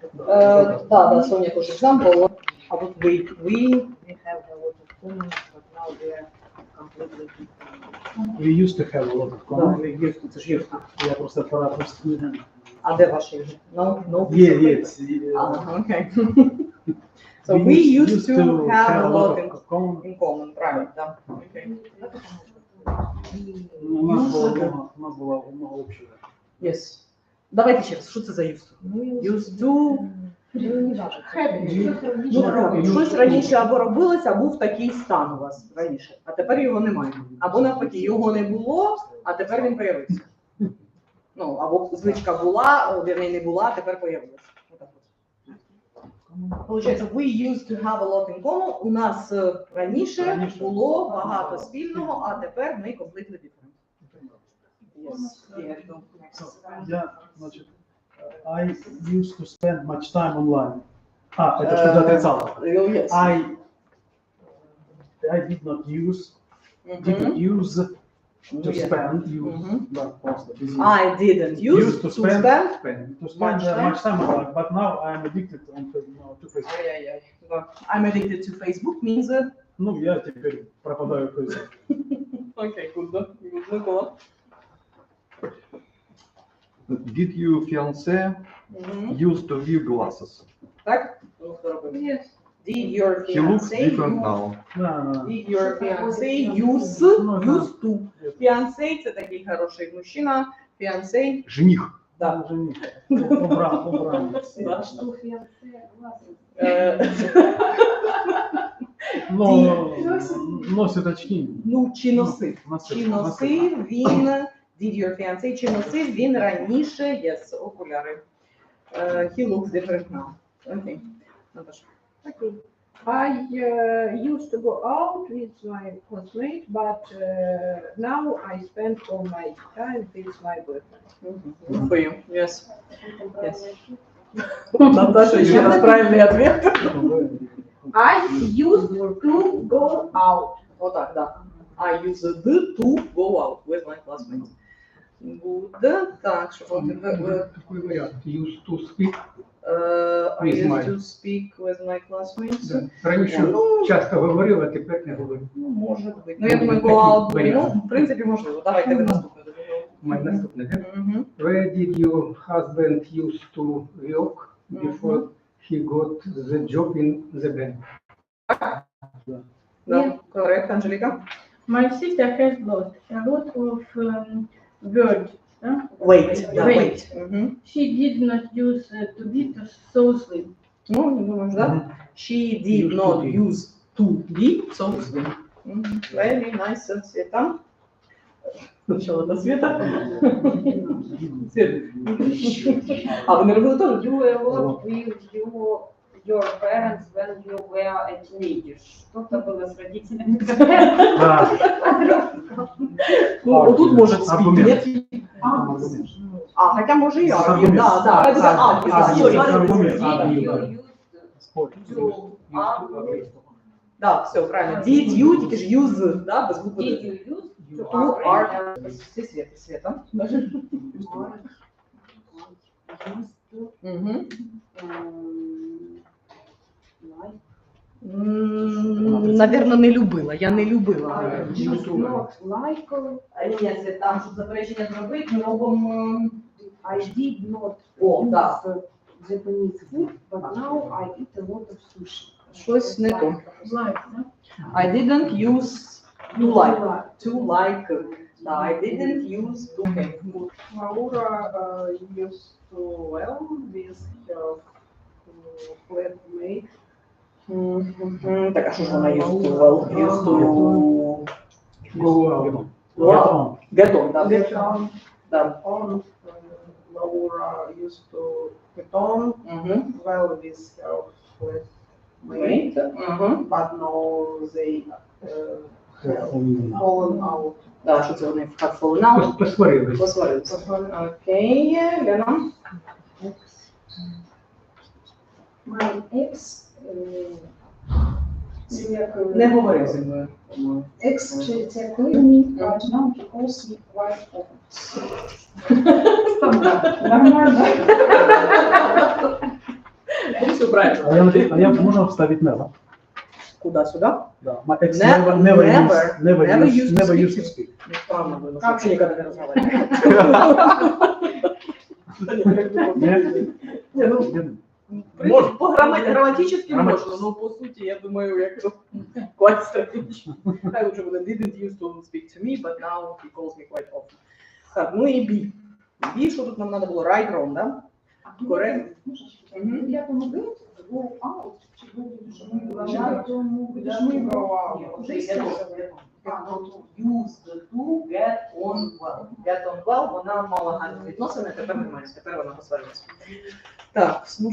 Да, Соня тоже example. А вот we have a lot of comments, but now we are completely different. We used to have a lot of Да, comments. we used to, це ж used to. Я просто апаратно студент. А де ваші вже? No, Yes. Okay. So we used to have a lot in common, правильно, да. Okay. У нас было много общего. Yes. Давайте ще раз, що це за used to? Used to. Щось раніше або робилося, або був такий стан у вас раніше, а тепер його немає. Або навпаки, його не було, а тепер він появився. Ну, або звичка була, вірні не була, а тепер появилася. Получається, we used to have a lot in common. У нас раніше було багато спільного, а тепер ми completely different. Yes. Я, значит, I used to spend much time online. Это что ты отрицала? Yes. I did not use, didn't use to spend, да, просто. I didn't use to spend much time online, but now I'm addicted to Facebook. I'm addicted to Facebook means... Ну, я теперь пропадаю в Facebook. Окей, good. Микола. Did your fiancé used to wear glasses? Так? Yes. Did your He looks fiancé different now. Did your fiancé used to? Fiancé – це такий хороший мужчина. Fiancé. Жених. Да. Убранец. Да. Что фиансе глазом? Но носит очки. Ну, чи носив. Чи носив він, did your fiancé, чи носив він раніше, yes, окуляри. He looks different now. Окей. Наташа. Okay. I used to go out with my classmate, but now I spend all my time with my boyfriend. For you, yes. Наташа, ще раз правильний ответ. I used to go out. Вот так, да. I used to go out with my classmates. Good. Так, що вам Такой вариант. Used to speak. I used to speak with my classmates. Да. Раніше часто говорив, а тепер не говорю. Ну, може бути. Ну, я думаю, go out, ну, в принципі, можливо. Давайте ви наступне. Моє наступне, так? Where did your husband used to work before he got the job in the bank? Да, коррект, Анжеліка. My sister has lost a lot of words. Wait, да, Wait. wait. She did not use to be so slim. Ну, не думаєш, да? She did not use to be so slim. Very nice, Света. Сначала до Света. Свет. А, ви не робили теж? You worked with your parents when you were a teenager. Что-то было с родителями. Ну, тут может Аргумент. спить. А, хотя може і аргумент. Да, да. Да, все, правильно. Did you, тільки ж use, да, без букви. Did you use To are. Всі Света. Наверно, не любила. Я не любила. Ні, там, щоб заперечення зробити, ми робимо... I did not О, use да. Japanese food, but now I eat a lot of sushi. Щось не то. Like, да? I didn't use to like. To like. Да, I didn't use to. Okay, good. Laura used to well with her flatmate. Так, а що ж вона used to? Well, used to Go out. work. Get on, да. Get on. Да. On. Laura used to get on well with her flatmate, but now they fallen out. Да, що це вони have fallen out. Посварились. Посварилися. Окей, Лена. My ex Не говори зі мною. ex-cheated me, but now he calls me quite often. Нормально. правильно. А я можно вставить never? Куда, сюда? Да. My ex Never never used to used to speak. speak. Ну, странно было, что вообще никогда не разговаривали. Не, ну, грамматически можно, но по сути, я думаю, як quite strategic. I would have didn't used to speak to me, but now he calls me quite often. Так, ну і B. B, що тут нам надо було? Right, wrong, да? Correct. Я помогу, go out, чи будеш ми go out. Вже Use to get on well. Get on well, вона мала гарні відносини, тепер немає, тепер вона посварилася. Так, ну